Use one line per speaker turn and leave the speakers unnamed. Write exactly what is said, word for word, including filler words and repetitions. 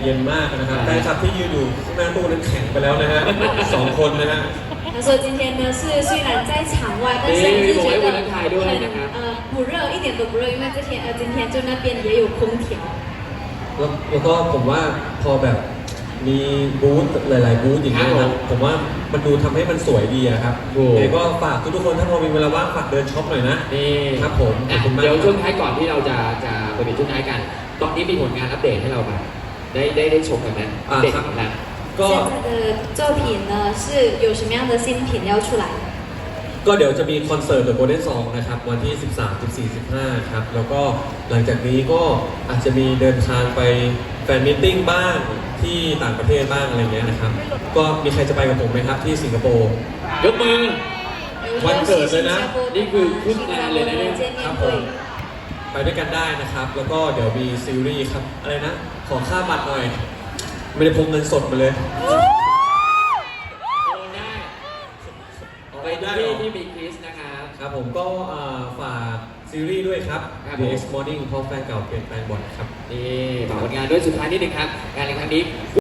ย็นมากนะครับแฟนคลับที่ยืนอยู่ข้างหน้าตู้นั้นแข็งไปแล้วนะฮะสองคนนะฮะ
他说今天呢是虽然在场外，但是还是觉得很呃不热，一点都不热，因为这天呃今天就那边也有空调。
แล้วแล้วก็ผมว่าพอแบบมีบูธหลายๆบูธอย่างเงี้ยครับผมว่ามันดูทำให้มันสวยดีอะครับเดี๋ยวก็ฝากทุกๆคนถ้าพอมีเวลาว่างฝากเดินช็อปหน่อยนะ
นี่
ครับผม
เดี๋ยวช่วงท้ายก่อนที่เราจะจะไปเป็นช่วงท้ายกันตอนนี้มีผลงานอัปเดตให้เราบ้างได้ได้ได้ชมกันไหมอัปเดตกันแล้ว
现在的作品呢是有什么样的新品要出来？
ก็เดี๋ยวจะมีคอนเสิร์ต The Golden Song นะครับวันที่สิบสาม สิบสี่ สิบห้าครับแล้วก็หลังจากนี้ก็อาจจะมีเดินทางไปแฟนมิทติ้งบ้างที่ต่างประเทศบ้างอะไรเงี้ยนะครับก็มีใครจะไปกับผมไหมครับที่สิงคโปร์
ยกมือ
วันเกิดเลยนะ
นี่คือขึ้นงานเลยนะเนี่ย
ครับผมไปด้วยกันได้นะครับแล้วก็เดี๋ยวมีซีรีส์ครับอะไรนะขอค่าบัตรหน่อยไม่ได้พกเงินสดมาเลย
ไปที่ที่มีคริสนะครับ
ครับผมก็ฝากซีรีส์ด้วยครับ The Next Morning เพราะแฟนเก่าเปลี่ยนแปลงบ่อยครับ
นี่ฝากผลงานด้วยสุดท้ายนิดนึงครับงานในครั้งนี้